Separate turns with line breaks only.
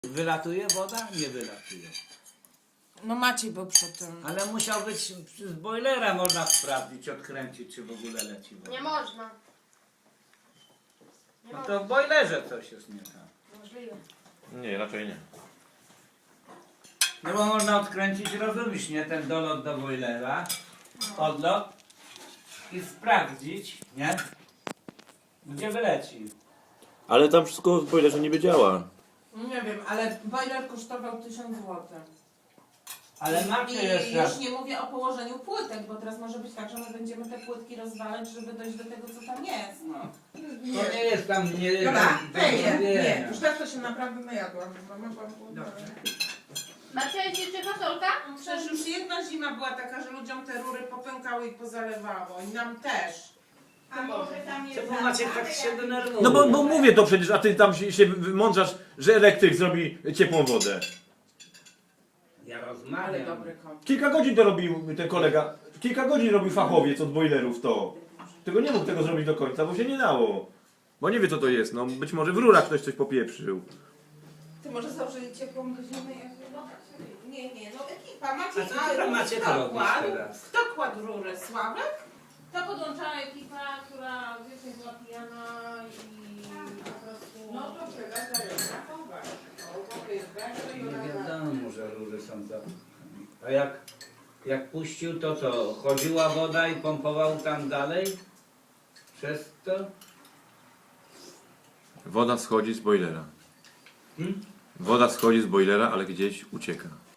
Wylatuje woda? Nie wylatuje.
No Maciej był przy tym.
Ale musiał być z bojlera, można sprawdzić, odkręcić, czy w ogóle leci woda.
Nie można. Nie
No
można.
to w bojlerze coś jest nie tak.
Możliwe.
Nie, raczej nie.
No bo można odkręcić, rozumiesz, nie? Ten dolot do bojlera, odlot i sprawdzić, nie? Gdzie wyleci.
Ale tam wszystko w boilerze niby działa.
Nie wiem, ale boiler kosztował 1000 zł.
Ale macie
I
jeszcze...
już nie mówię o położeniu płytek, bo teraz może być tak, że my będziemy te płytki rozwalać, żeby dojść do tego, co tam jest. No.
To nie jest tam... Nie,
Dobra,
nie,
nie, już tak to się naprawdę najadłam.
Marcia, jest jeszcze fasolka?
Przecież już jedna zima była taka, że ludziom te rury popękały i pozalewało. I nam też.
A może tam jest
Czemu macie tak się denerwuje?
No bo mówię to przecież, a ty tam się wymądrzasz, że elektryk zrobi ciepłą wodę.
Ja
Ale
rozmawiam.
dobry kot.
Kilka godzin to robił ten kolega. Kilka godzin robił fachowiec od boilerów to. Tylko nie mógł tego zrobić do końca, bo się nie dało. Bo nie wie co to jest, no być może w rurach ktoś coś popieprzył.
Ty może założyli ciepłą godzinę jak Nie, no ekipa, macie
A co tam macie to robić teraz?
Kto kładł rury? Sławek?
To podłączała ekipa, która wiecznie była pijana i po prostu...
No to tyle, zajęła.
Nie wiadomo, że rury są zapchane. A jak puścił, to co? Chodziła woda i pompował tam dalej? Przez to?
Woda schodzi z boilera.
Hmm?
Woda schodzi z boilera, ale gdzieś ucieka.